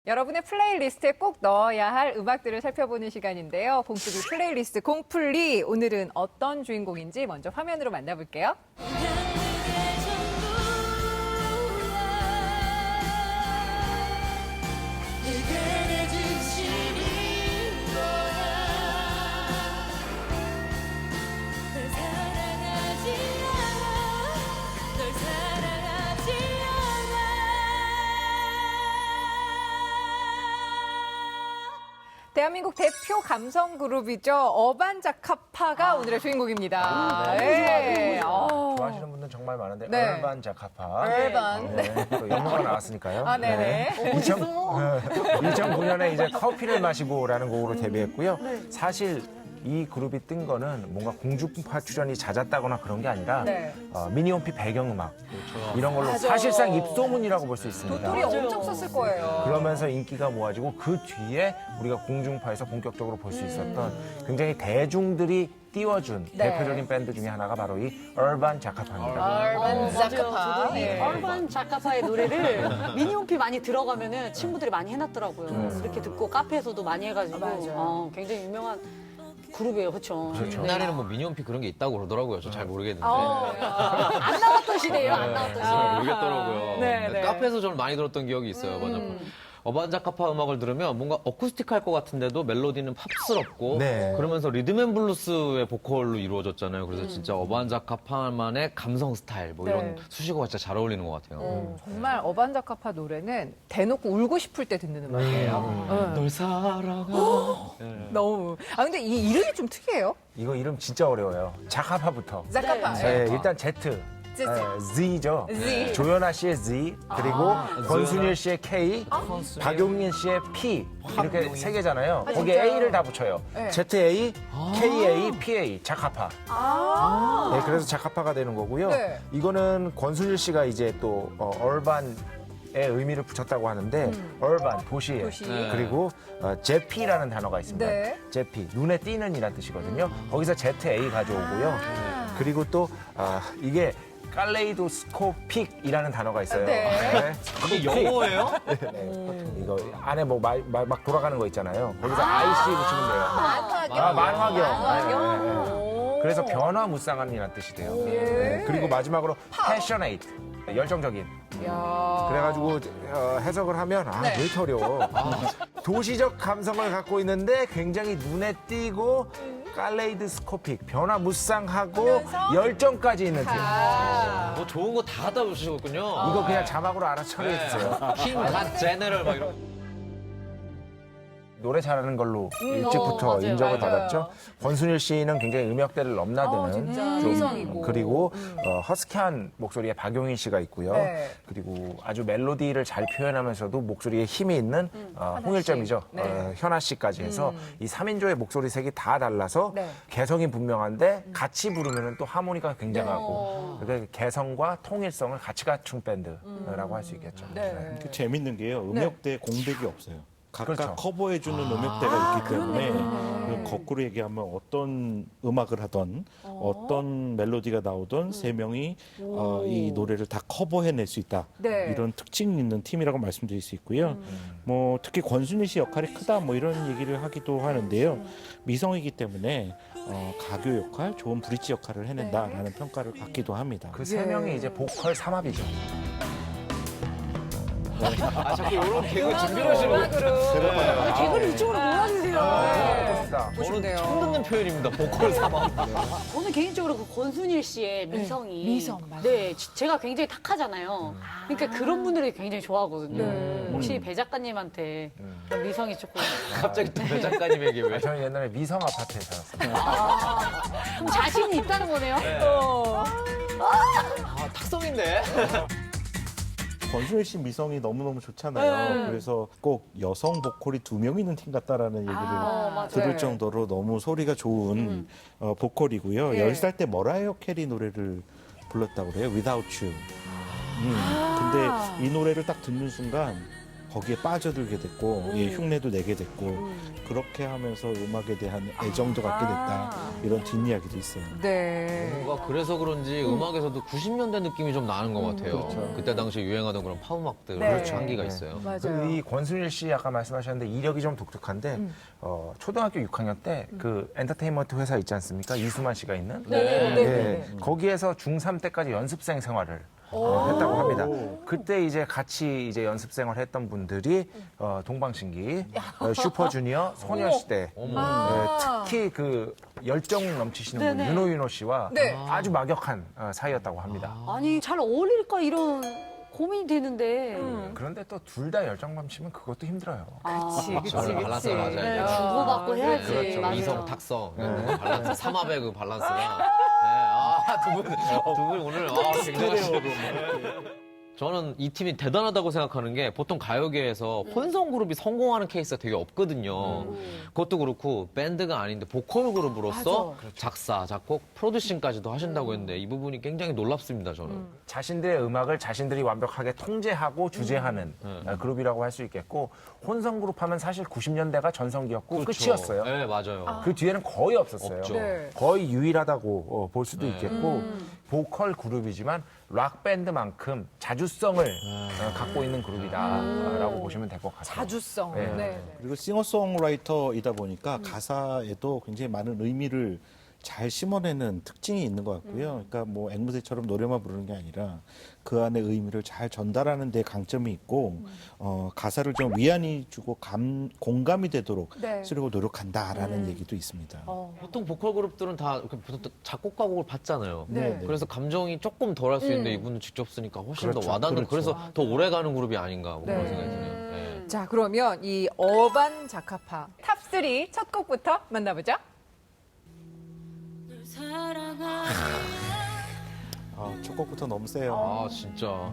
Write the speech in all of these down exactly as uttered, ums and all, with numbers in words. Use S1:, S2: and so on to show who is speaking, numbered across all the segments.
S1: 여러분의 플레이리스트에 꼭 넣어야 할 음악들을 살펴보는 시간인데요. 봉투비 플레이리스트 공풀리. 오늘은 어떤 주인공인지 먼저 화면으로 만나볼게요. 대한민국 대표 감성 그룹이죠. 어반자카파가 오늘의 주인공입니다.
S2: 아,
S1: 네. 어.
S2: 좋아하시는 분들 정말 많은데
S1: 네.
S2: 얼반 자카파.
S1: 얼반.
S2: 네. 또 영어가 나왔으니까요.
S1: 아, 네네.
S2: 이천구 년에 이제 커피를 마시고라는 곡으로 데뷔했고요. 사실 이 그룹이 뜬 거는 뭔가 공중파 출연이 잦았다거나 그런 게 아니라
S1: 네.
S2: 어, 미니홈피 배경음악 이런 걸로 사실상 입소문이라고 볼 수 있습니다.
S1: 도토리 엄청 썼을 거예요.
S2: 그러면서 인기가 모아지고 그 뒤에 우리가 공중파에서 본격적으로 볼 수 있었던 굉장히 대중들이 띄워준
S1: 네.
S2: 대표적인 밴드 중에 하나가 바로 이 얼반 자카파입니다.
S1: 얼반자카파.
S3: 저도 이
S1: 네.
S3: 얼반 자카파의 노래를 미니홈피 많이 들어가면은 친구들이 많이 해놨더라고요. 이렇게 듣고 카페에서도 많이 해가지고
S1: 맞아요.
S3: 어, 굉장히 유명한 그룹이에요, 그렇죠?
S2: 그렇죠.
S4: 옛날에는 뭐 미니홈피 그런 게 있다고 그러더라고요. 저 잘 모르겠는데.
S1: 어,
S3: 안 나왔던 시대예요, 안 나왔던 시대.
S4: 잘 모르겠더라고요.
S1: 네,
S4: 근데
S1: 네.
S4: 카페에서 저는 많이 들었던 기억이 있어요. 맞아. 어반자카파 음악을 들으면 뭔가 어쿠스틱할 것 같은데도 멜로디는 팝스럽고
S2: 네.
S4: 그러면서 리듬앤블루스의 보컬로 이루어졌잖아요. 그래서 진짜 어반자카파만의 감성 스타일 뭐
S1: 네.
S4: 이런 수식어가 진짜 잘 어울리는 것 같아요.
S1: 어, 정말 어반자카파 노래는 대놓고 울고 싶을 때 듣는 음악이에요. 응.
S4: 널 사랑하.
S1: 너무. 아, 근데 이 이름이 좀 특이해요.
S2: 이거 이름 진짜 어려워요. 자카파부터.
S1: 자카파.
S2: 네, 일단 Z.
S1: Z.
S2: 네, Z죠.
S1: Z.
S2: 조연아 씨의 Z, 그리고 권순일 씨의 K, 박용린 씨의 P 이렇게 세 개잖아요. 거기에
S1: 진짜요?
S2: A를 다 붙여요.
S1: 네.
S2: Z A, K A, P A, 자카파. 네, 그래서 자카파가 되는 거고요.
S1: 네.
S2: 이거는 권순일 씨가 이제 또 어, 얼반의 의미를 붙였다고 하는데 얼반 도시에
S1: 도시.
S4: 네.
S2: 그리고 어, 제피라는 단어가 있습니다.
S1: 네.
S2: 제피 눈에 띄는 이란 뜻이거든요. 거기서 Z A 가져오고요. 그리고 또 아, 이게 칼레이도스코픽이라는 단어가 있어요.
S1: 네.
S4: 이게 영어예요?
S2: 네. 이거 안에 뭐 막 돌아가는 거 있잖아요. 거기서 아이씨 붙이면 돼요.
S1: 만화경.
S2: 아, 만화경.
S1: 만화경.
S2: 네, 네, 네.
S1: 오.
S2: 그래서 변화무쌍한이라는 뜻이 돼요.
S1: 예.
S2: 네. 그리고 마지막으로 passionate, 열정적인.
S1: 야.
S2: 그래가지고 어, 해석을 하면 아,
S1: 네.
S2: 왜 이렇게 어려워. 도시적 감성을 갖고 있는데 굉장히 눈에 띄고 칼레이드스코픽, 변화무쌍하고
S1: 하면서
S2: 열정까지 있는 팀.
S1: 아.
S4: 뭐 좋은 거 다 갖다 붙이셨군요.
S2: 이거 그냥 자막으로 알아서 처리해 주세요.
S4: 킹갓 제너럴 막 이런.
S2: 노래 잘하는 걸로
S1: 음,
S2: 일찍부터
S3: 어, 맞아요.
S2: 인정을
S1: 맞아요.
S2: 받았죠. 권순일 씨는 굉장히 음역대를 넘나드는
S1: 아, 진짜.
S2: 좀
S1: 미성이고.
S2: 그리고 어, 허스키한 목소리의 박용인 씨가 있고요.
S1: 네.
S2: 그리고 아주 멜로디를 잘 표현하면서도 목소리에 힘이 있는 어, 홍일점이죠.
S1: 네.
S2: 어, 현아 씨까지 해서 이 삼인조의 목소리 색이 다 달라서
S1: 네.
S2: 개성이 분명한데 같이 부르면 또 하모니가 굉장하고
S1: 네.
S2: 그러니까 개성과 통일성을 같이 갖춘 밴드라고 할 수 있겠죠.
S1: 네.
S5: 그 재밌는 게요. 음역대 공백이 없어요. 각각
S2: 그렇죠.
S5: 커버해주는 음역대가 있기 때문에 그 거꾸로 얘기하면 어떤 음악을 하던 어떤 멜로디가 나오던 세 명이 어, 이 노래를 다 커버해낼 수 있다.
S1: 네.
S5: 이런 특징 있는 팀이라고 말씀드릴 수 있고요. 뭐 특히 권순일 씨 역할이 크다 뭐 이런 얘기를 하기도 하는데요. 미성이기 때문에 어, 가교 역할, 좋은 브릿지 역할을 해낸다라는 평가를 받기도 합니다.
S2: 그 세 명이 이제 보컬 삼합이죠.
S4: 아, 자꾸 이런 개그 준비를 하시는
S1: 음악으로.
S3: 아, 개그를 이쪽으로 몰아주세요.
S2: 멋있다.
S4: 저는 처음 듣는 표현입니다. 보컬 사망.
S3: 저는 개인적으로 그 권순일 씨의 미성이
S1: 미성, 맞아요.
S3: 네, 지- 제가 굉장히 탁하잖아요. 그러니까 그런 분들이 굉장히 좋아하거든요.
S1: 네.
S3: 혹시 배 작가님한테 그런 미성이 조금
S4: 갑자기 또 배 작가님에게 왜?
S2: 아, 저는 옛날에 미성 아파트에 살았어요.
S3: 좀 자신이 있다는 거네요.
S1: 어.
S4: 아, 탁성인데?
S5: 권순일 씨 미성이 너무너무 좋잖아요. 그래서 꼭 여성 보컬이 두 명 있는 팀 같다라는 얘기를
S3: 어, 맞아요.
S5: 들을
S1: 네.
S5: 정도로 너무 소리가 좋은 어, 보컬이고요.
S1: 예.
S5: 열 살 때 머라이어 캐리 노래를 불렀다고 그래요. Without You. 음, 근데 이 노래를 딱 듣는 순간 거기에 빠져들게 됐고 예, 흉내도 내게 됐고
S3: 음.
S5: 그렇게 하면서 음악에 대한 애정도 갖게 됐다
S1: 아.
S5: 이런 뒷이야기도 있어요.
S1: 네.
S4: 뭔가 그래서 그런지 음악에서도 구십 년대 느낌이 좀 나는 것 같아요.
S5: 그렇죠.
S4: 그때 당시 유행하던 그런 팝음악들
S1: 네.
S4: 그렇죠. 한기가
S2: 네.
S4: 있어요.
S1: 맞아요.
S2: 이 권순일 씨 아까 말씀하셨는데 이력이 좀 독특한데
S1: 음.
S2: 어, 초등학교 육 학년 때 그 엔터테인먼트 회사 있지 않습니까? 이수만 씨가 있는
S1: 네, 네, 네,
S2: 예,
S1: 네.
S2: 거기에서 중삼 때까지 연습생 생활을 어, 했다고 합니다. 그때 이제 같이 이제 연습 생활했던 분들이 어, 동방신기, 어, 슈퍼주니어, 소녀시대,
S4: 어머.
S1: 아.
S2: 예, 특히 그 열정 넘치시는 분
S3: 네네.
S2: 윤호 윤호 씨와
S1: 네.
S2: 아주 막역한 어, 사이였다고 합니다.
S3: 아니 잘 어울릴까 이런 고민이 되는데.
S1: 음.
S2: 그런데 또 둘 다 열정 넘치면 그것도 힘들어요.
S1: 그치, 그치,
S4: 저를
S1: 그치.
S4: 밸런스가 맞아야
S3: 네,
S4: 돼요.
S3: 주고받고 해야지.
S2: 그렇죠.
S3: 맞아요.
S4: 이성 탁성 네. 밸런스 삼합의 그 밸런스가 네. 아두분두분 오늘 아, 굉장하시고 저는 이 팀이 대단하다고 생각하는 게 보통 가요계에서 혼성 그룹이 성공하는 케이스가 되게 없거든요. 그것도 그렇고 밴드가 아닌데 보컬 그룹으로서 작사, 작곡, 프로듀싱까지도 하신다고 했는데 이 부분이 굉장히 놀랍습니다. 저는.
S2: 자신들의 음악을 자신들이 완벽하게 통제하고 주재하는
S4: 음.
S2: 어, 그룹이라고 할 수 있겠고 혼성 그룹 하면 사실 구십 년대가 전성기였고
S4: 그렇죠.
S2: 끝이었어요.
S4: 네, 맞아요.
S2: 그 뒤에는 거의 없었어요.
S4: 없죠.
S1: 네.
S2: 거의 유일하다고 어, 볼 수도
S4: 네.
S2: 있겠고 보컬 그룹이지만 락 밴드만큼 자주성을 어, 갖고 있는 그룹이다라고 보시면 될 것 같아요.
S1: 자주성.
S2: 네.
S1: 네. 네.
S5: 그리고 싱어송라이터이다 보니까 가사에도 굉장히 많은 의미를 잘 심어내는 특징이 있는 것 같고요. 그러니까 뭐 앵무새처럼 노래만 부르는 게 아니라 그 안에 의미를 잘 전달하는 데 강점이 있고 어, 가사를 좀 위안이 주고 감, 공감이 되도록
S1: 네.
S5: 쓰려고 노력한다라는 얘기도 있습니다.
S1: 어.
S4: 보통 보컬 그룹들은 다 이렇게 보통 작곡가 곡을 받잖아요.
S1: 네.
S4: 그래서 감정이 조금 덜할 수 있는데 이분은 직접 쓰니까 훨씬
S2: 그렇죠.
S4: 더 와닿는
S5: 그렇죠.
S4: 그래서 더 오래 가는 그룹이 아닌가 뭐 그런
S1: 네.
S4: 생각이 드네요. 네.
S1: 자, 그러면 이 어반 자카파 탑삼 첫 곡부터 만나보죠.
S5: 아, 첫 곡부터 너무 세요.
S4: 아 진짜.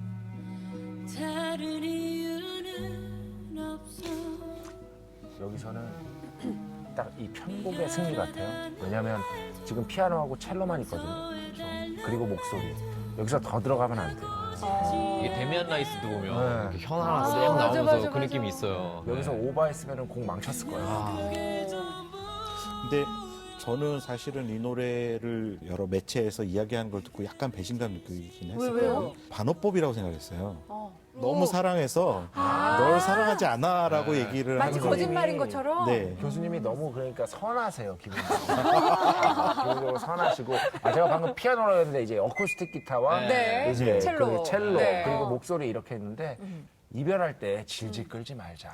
S6: 다른 이유는 없어.
S2: 여기서는 딱 이 편곡의 승리 같아요. 왜냐하면 지금 피아노하고 첼로만 있거든요. 그리고 목소리. 여기서 더 들어가면 안 돼요.
S4: 이게 데미안 라이스도 보면
S2: 네.
S4: 이렇게 현 하나 싹
S1: 맞아,
S4: 나오면서
S1: 맞아,
S4: 그
S1: 맞아.
S4: 느낌이 있어요.
S2: 여기서
S4: 네.
S2: 오버했으면 공 망쳤을 거예요.
S4: 아,
S5: 근데 저는 사실은 이 노래를 여러 매체에서 이야기하는 걸 듣고 약간 배신감 느끼긴 했었거든요. 반어법이라고 생각했어요.
S3: 어.
S5: 너무 사랑해서 널 사랑하지 않아라고
S4: 네.
S5: 얘기를
S1: 마치
S5: 하는
S1: 거짓말인 것처럼.
S5: 네.
S2: 교수님이 너무 그러니까 선하세요, 기본적으로. 기본적으로 선하시고. 아, 제가 방금 피아노라고 했는데 이제 어쿠스틱 기타와
S1: 네.
S2: 이제
S1: 첼로.
S2: 그 첼로
S1: 네.
S2: 그리고 목소리 이렇게 했는데 이별할 때 질질 끌지 말자.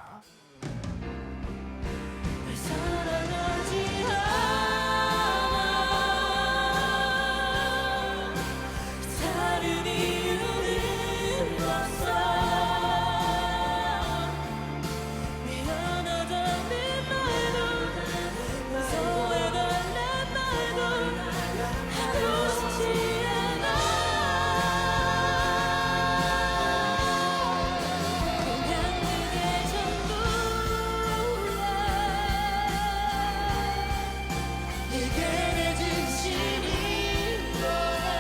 S6: 널 사랑하지 않아. 다른 이유는 없어. 미안하다는 말도 무서워해달란 말도 하고 싶지 않아. 그냥 그게 전부야. 내게 내 진심인 거야.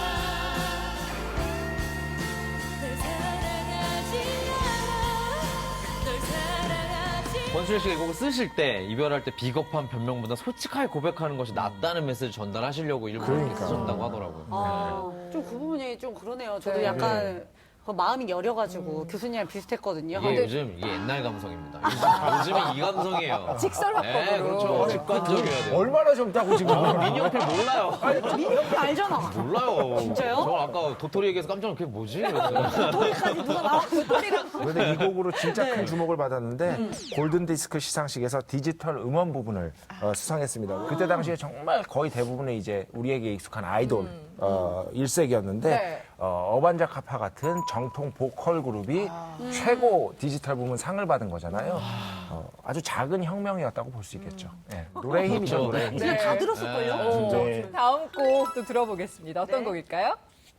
S6: 널 사랑하지 않아. 널 사랑하지
S4: 권순일 씨가 이 곡을 쓰실 때 이별할 때 비겁한 변명보다 솔직하게 고백하는 것이 낫다는 메시지 전달하시려고 일부러 이렇게
S2: 그러니까.
S4: 쓰셨다고 하더라고요.
S3: 아, 좀 그 부분이 좀 그러네요. 저도
S1: 네.
S3: 약간 그 마음이 여려가지고 교수님이랑 비슷했거든요.
S4: 이게
S3: 근데
S4: 요즘 이게 옛날 감성입니다. 요즘, 요즘이 이 감성이에요.
S1: 직설화법으로.
S4: 네, 그렇죠. 직관적이어야 돼요.
S2: 얼마나 젊다고 지금.
S4: 민영필 몰라요.
S3: 민혁이 알잖아.
S4: 몰라요.
S3: 진짜요?
S4: 저 아까 도토리 얘기해서 깜짝 놀랐 그게 뭐지? 그랬어요.
S3: 도리까지 누가 나와 도리랑.
S2: 그런데 이 곡으로 진짜 큰 주목을 받았는데 골든 디스크 시상식에서 디지털 음원 부분을 어, 수상했습니다. 그때 당시에 정말 거의 대부분의 이제 우리에게 익숙한 아이돌 어, 일색이었는데
S1: 네.
S2: 어, 어반자카파 같은 정통 보컬 그룹이 최고 디지털 부문 상을 받은 거잖아요. 어, 아주 작은 혁명이었다고 볼 수 있겠죠. 예, 노래의 힘이죠,
S4: 그렇죠.
S2: 노래의 힘.
S3: 그냥 다 들었을걸요?
S1: 어,
S5: 네.
S1: 다음 곡 또 들어보겠습니다. 어떤 곡일까요?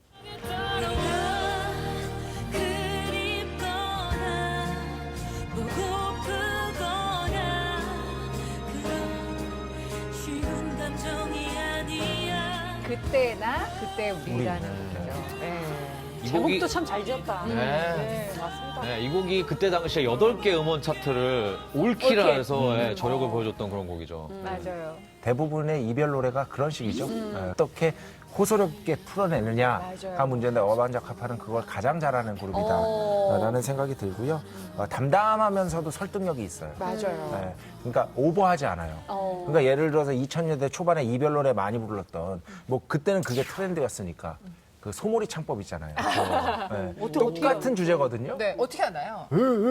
S6: 떠나가 그립거나 보고프거나 그런 쉬운 감정이 아니야.
S1: 그때나 그때 우리라는 곡이죠. 네.
S4: 이 곡이
S3: 제목도 참 잘 지었다.
S4: 네.
S1: 네, 맞습니다.
S4: 네, 네, 이 곡이 그때 당시에 여덟 개 음원 차트를 올키라
S1: 올킬.
S4: 해서 예, 저력을 보여줬던 그런 곡이죠.
S1: 맞아요.
S2: 대부분의 이별 노래가 그런 식이죠. 예, 어떻게 호소롭게 풀어내느냐가
S1: 맞아요.
S2: 문제인데 어반자카파는 그걸 가장 잘하는
S3: 어.
S2: 그룹이다라는 생각이 들고요. 어, 담담하면서도 설득력이 있어요.
S1: 맞아요.
S2: 예, 그러니까 오버하지 않아요.
S3: 어.
S2: 그러니까 예를 들어서 이천 년대 초반에 이별 노래 많이 불렀던 뭐 그때는 그게 트렌드였으니까 그 소몰이 창법 있잖아요. 그거. 예,
S3: 어떻게,
S2: 똑같은 주제거든요.
S1: 네, 어떻게 하나요?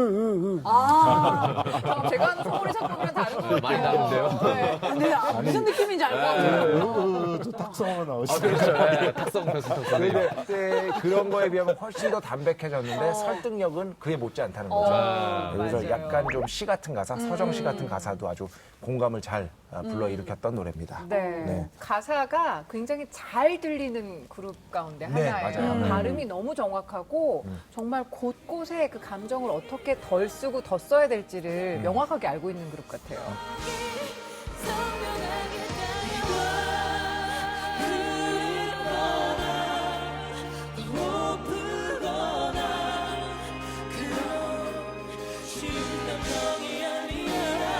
S3: 아,
S1: 그럼 제가 하는 소몰이 작품이랑 다른 거 같아요.
S4: 많이 다른데요?
S1: 네.
S3: 근데 아, 무슨 느낌인지 알 것 같아요.
S5: 또 탁성어 나오시.
S4: 아, 그렇죠. 예, 탁성 표수, 탁성.
S2: 근데 그때 그런 거에 비하면 훨씬 더 담백해졌는데 설득력은 그에 못지 않다는 거죠.
S1: 어,
S2: 그래서
S1: 맞아요.
S2: 약간 좀 시 같은 가사, 서정시 같은 가사도 아주 공감을 잘 아, 불러일으켰던 노래입니다.
S1: 네.
S2: 네.
S1: 가사가 굉장히 잘 들리는 그룹 가운데
S2: 네,
S1: 하나예요.
S2: 맞아요. 음.
S1: 발음이 너무 정확하고 정말 곳곳에 그 감정을 어떻게 덜 쓰고 더 써야 될지를
S2: 음.
S1: 명확하게 알고 있는 그룹 같아요.
S6: 선명하게 달려와 흐르거나 그런 쉬운 감정이 아니야.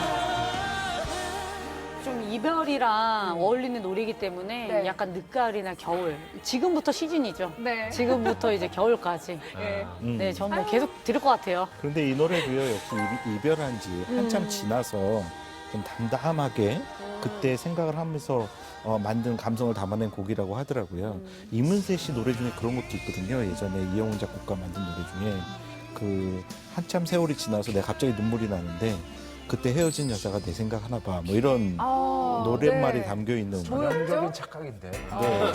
S3: 좀 이별이랑 어울리는 노래이기 때문에
S1: 네.
S3: 약간 늦가을이나 겨울. 지금부터 시즌이죠.
S1: 네.
S3: 지금부터 이제 겨울까지.
S1: 예.
S5: 음.
S3: 네, 전 뭐 계속 들을 것 같아요.
S5: 그런데 이 노래도요, 역시 이- 이별한 지 한참 지나서 좀 담담하게 그때 생각을 하면서 어, 만든 감성을 담아낸 곡이라고 하더라고요. 이문세 씨 노래 중에 그런 것도 있거든요. 예전에 이영훈 작곡가 만든 노래 중에 그 한참 세월이 지나서 내가 갑자기 눈물이 나는데 그때 헤어진 여자가 내 생각 하나 봐. 뭐 이런
S1: 아,
S5: 노랫말이
S1: 네.
S5: 담겨 있는
S2: 전형적인 착각인데.
S5: 네.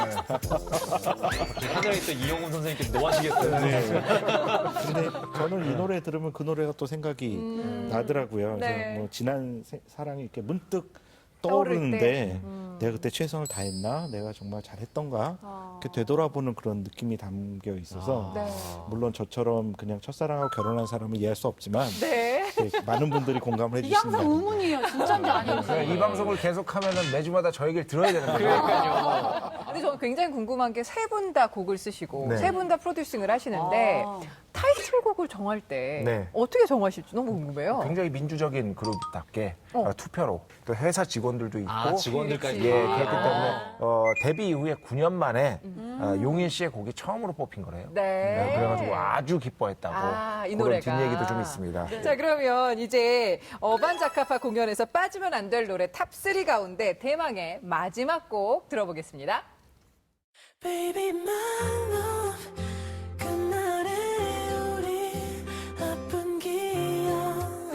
S4: 하늘에 있던 이영훈 선생님께서 뭐 하시겠어요?
S5: 근데 저는 이 노래 들으면 그 노래가 또 생각이 나더라고요. 그래서
S1: 네.
S5: 뭐 지난 세- 사랑이 이렇게 문득
S1: 떠오를
S5: 떠오르는데
S1: 때.
S5: 내가 그때 최선을 다했나? 내가 정말 잘했던가?
S1: 아.
S5: 이렇게 되돌아보는 그런 느낌이 담겨 있어서
S1: 네.
S5: 물론 저처럼 그냥 첫사랑하고 결혼한 사람은 이해할 수 없지만
S1: 네.
S5: 네, 많은 분들이 공감을
S3: 이게
S5: 해주신다.
S3: 항상 의문이에요. 진짜인지 아닌지.
S2: 그냥 이 방송을 계속하면 매주마다 저 얘기를 들어야 되는 거예요.
S1: 근데 저는 굉장히 궁금한 게 세 분 다 곡을 쓰시고
S2: 네.
S1: 세 분 다 프로듀싱을 하시는데
S3: 아.
S1: 타이틀곡을 정할 때
S2: 네.
S1: 어떻게 정하실지 너무 궁금해요.
S2: 굉장히 민주적인 그룹답게
S1: 어.
S2: 어, 투표로 또 회사 직원들도 있고
S4: 아, 직원들까지.
S2: 예,
S1: 아.
S2: 그렇기 때문에 어, 데뷔 이후에 구 년 만에
S1: 음.
S2: 어, 용인 씨의 곡이 처음으로 뽑힌 거래요.
S1: 네.
S2: 그래가지고 아주 기뻐했다고
S1: 아, 이
S2: 그런
S1: 노래가.
S2: 뒷얘기도 좀 있습니다.
S1: 자, 그러면 이제 어반자카파 공연에서 빠지면 안 될 노래 탑 쓰리 가운데 대망의 마지막 곡 들어보겠습니다.
S6: Baby, my love. 그날의 우리 아픈 기억.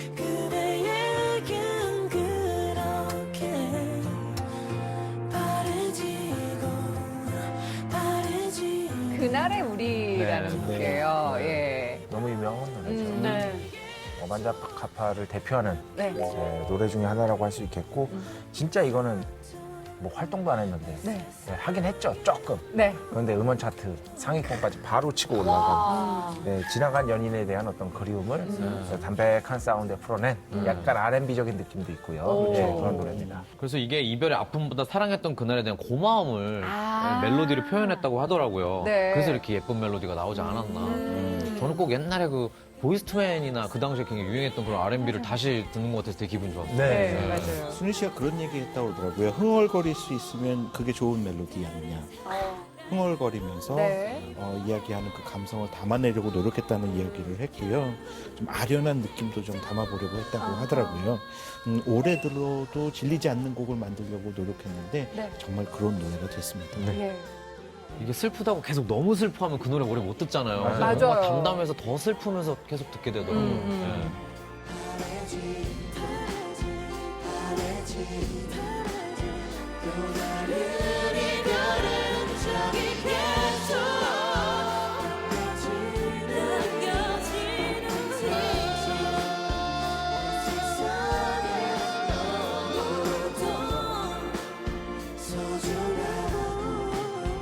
S6: 그대에겐 그렇게 바래지고 바래지고.
S1: 그날의 우리라는
S2: 네,
S1: 곡이에요. 예.
S2: 너무 유명한 노래죠.
S1: 음.
S3: 네.
S2: 어반자카파를 대표하는
S1: 네.
S2: 예, 노래 중에 하나라고 할 수 있겠고 진짜 이거는 뭐 활동도 안 했는데
S1: 네.
S2: 예, 하긴 했죠 조금.
S1: 네.
S2: 그런데 음원 차트 상위권까지 바로 치고 올라간
S3: 아.
S2: 네, 지나간 연인에 대한 어떤 그리움을 어, 담백한 사운드에 풀어낸 약간 알앤비적인 느낌도 있고요.
S1: 오.
S2: 네, 그런 노래입니다.
S4: 그래서 이게 이별의 아픔보다 사랑했던 그날에 대한 고마움을
S1: 아.
S4: 예, 멜로디로 표현했다고 하더라고요.
S1: 네.
S4: 그래서 이렇게 예쁜 멜로디가 나오지 않았나. 음, 저는 꼭 옛날에 그 보이스투맨이나 그 당시에 굉장히 유행했던 그런 알앤비를 다시 듣는 것 같아서 되게 기분 좋았어요.
S1: 네, 맞아요.
S5: 순희 씨가 그런 얘기 했다고 하더라고요. 흥얼거릴 수 있으면 그게 좋은 멜로디 아니냐.
S3: 어.
S5: 흥얼거리면서
S1: 네.
S5: 어, 이야기하는 그 감성을 담아내려고 노력했다는 이야기를 했고요. 좀 아련한 느낌도 좀 담아보려고 했다고 하더라고요. 음, 올해 들어도 질리지 않는 곡을 만들려고 노력했는데
S1: 네.
S5: 정말 그런 노래가 됐습니다.
S1: 예.
S4: 이게 슬프다고 계속 너무 슬퍼하면 그 노래 오래 못 듣잖아요. 그래서
S1: 맞아요.
S4: 뭔가 담담해서 더 슬프면서 계속 듣게 되더라고요.
S1: 음,
S6: 이별의 흔적이 계속 남겨지는 세상에 너무도 소중하고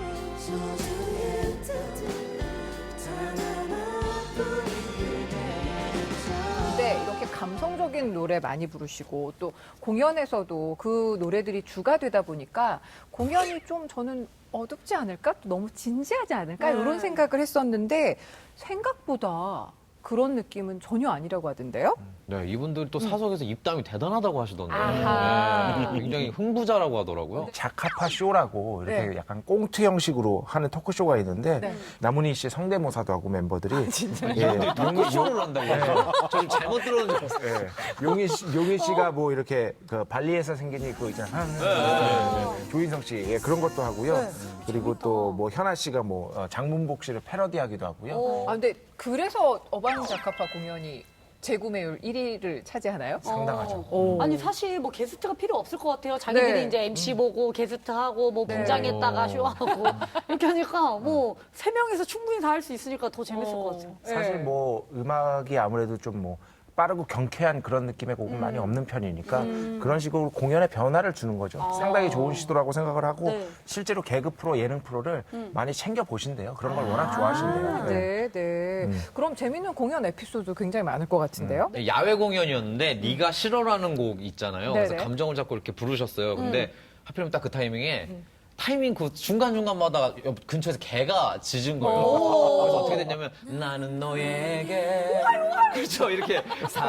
S6: 소중했던 단 하나뿐인
S1: 근데 이렇게 감성적인 노래 많이 부르시고 또 공연에서도 그 노래들이 주가 되다 보니까 공연이 좀 저는 어둡지 않을까? 또 너무 진지하지 않을까?
S3: 네.
S1: 이런 생각을 했었는데 생각보다 그런 느낌은 전혀 아니라고 하던데요?
S4: 네, 이분들 또 사석에서 입담이 대단하다고 하시던데.
S1: 아하.
S4: 네, 굉장히 흥부자라고 하더라고요.
S2: 자카파 쇼라고 이렇게
S1: 네.
S2: 약간 꽁트 형식으로 하는 토크쇼가 있는데
S1: 네.
S2: 남은희 씨 성대모사도 하고 멤버들이 예,
S4: 토크쇼를 한다고요? 저 좀 잘못 들었는 줄 알았어요.
S2: 예, 용희 씨, 용희 씨가 뭐 이렇게 그 발리에서 생긴 그 있잖아요. 네. 조인성 씨 예, 그런 것도 하고요. 그리고 또 뭐 현아 씨가 뭐 어, 장문복 씨를 패러디하기도 하고요.
S1: 아, 근데 그래서 어반자카파 공연이 재구매율 일 위를 차지하나요?
S2: 상당하죠.
S1: 오.
S3: 아니 사실 뭐 게스트가 필요 없을 것 같아요. 자기들이
S1: 네.
S3: 이제 엠씨 보고 게스트 하고 뭐
S1: 네.
S3: 분장했다가 쇼하고 이렇게 하니까 뭐 세 명에서 충분히 다 할 수 있으니까 더 재밌을 것 같아요.
S2: 사실
S1: 네.
S2: 뭐 음악이 아무래도 좀 뭐 빠르고 경쾌한 그런 느낌의 곡은 많이 없는 편이니까 그런 식으로 공연에 변화를 주는 거죠. 상당히 좋은 시도라고 생각을 하고
S3: 네.
S2: 실제로 개그 프로, 예능 프로를 많이 챙겨 보신대요. 그런 걸 워낙 좋아하신대요. 네.
S1: 네, 네. 그럼 재밌는 공연 에피소드 굉장히 많을 것 같은데요?
S4: 네, 야외 공연이었는데 네가 싫어라는 곡 있잖아요. 그래서
S1: 네네.
S4: 감정을 잡고 이렇게 부르셨어요. 근데 하필이면 딱 그 타이밍에 타이밍 그 중간중간마다 옆 근처에서 개가 짖은 거예요. 그래서 어떻게 됐냐면 나는 너에게 그렇죠. 이렇게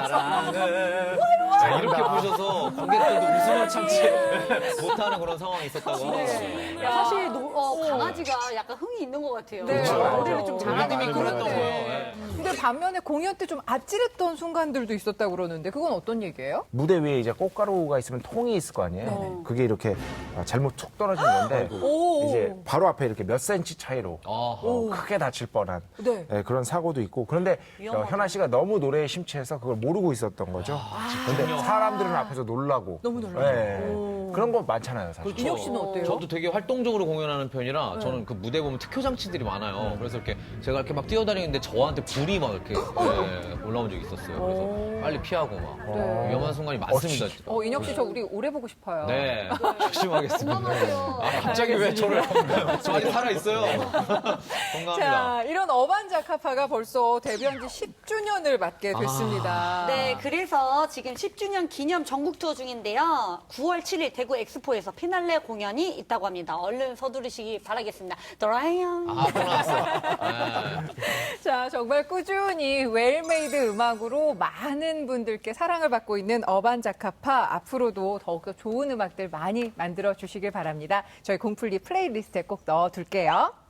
S4: 사랑을 자, 이렇게 부르셔서 관객들도 웃음을 참지 못하는 그런 상황이 있었다고 하더라고요.
S3: 사실 노- 어, 강아지가 약간 흥이 있는 것 같아요.
S1: 네.
S2: 그렇죠.
S3: 노래를 좀 잘하는
S4: 느낌이
S3: 것
S4: 그랬던
S3: 같아요.
S4: 거예요. 네.
S1: 근데 반면에 공연 때 좀 아찔했던 순간들도 있었다고 그러는데 그건 어떤 얘기예요?
S2: 무대 위에 이제 꽃가루가 있으면 통이 있을 거 아니에요. 그게 이렇게 어, 잘못 툭 떨어진 건데
S1: 오.
S2: 이제 바로 앞에 이렇게 몇 센치 차이로
S4: 아하.
S2: 어, 크게 다칠 뻔한
S1: 네.
S2: 예, 그런 사고도 있고 그런데 어, 현아 씨가 너무 노래에 심취해서 그걸 모르고 있었던 거죠. 근데 사람들은 앞에서 놀라고
S1: 너무 놀라고.
S2: 예, 그런 거 많잖아요, 사실.
S1: 인혁 씨는 어때요?
S4: 저도 되게 활동적으로 공연하는 편이라 저는 그 무대 보면 특효 장치들이 많아요. 그래서 이렇게 제가 이렇게 막 뛰어다니는데 저한테 불이 막 이렇게 예, 올라온 적이 있었어요. 그래서 빨리 피하고 막
S1: 네.
S4: 위험한 순간이 많습니다.
S1: 어, 인혁 씨 저 우리 오래 보고 싶어요.
S4: 네, 조심하겠습니다.
S3: 건강하세요.
S4: 아, 갑자기 왜 저를 저 아직 살아 있어요. 건강합니다.
S1: 자, 이런 어반자카파가 벌써 데뷔한 지 십 주년을 맞게 됐습니다.
S3: 네, 그래서 지금 십 주년 기념 전국 투어 중인데요. 구월 칠일 대구 엑스포에서 피날레 공연이 있다고 합니다. 얼른 서두르시기 바라겠습니다. 도라이언.
S4: 아, 또 나왔어. 네.
S1: 자, 정말 꾸준히 웰메이드 음악으로 많은 분들께 사랑을 받고 있는 어반자카파 앞으로도 더욱더 좋은 음악들 많이 만들어 주시길 바랍니다. 저희 공플리 플레이리스트에 꼭 넣어둘게요.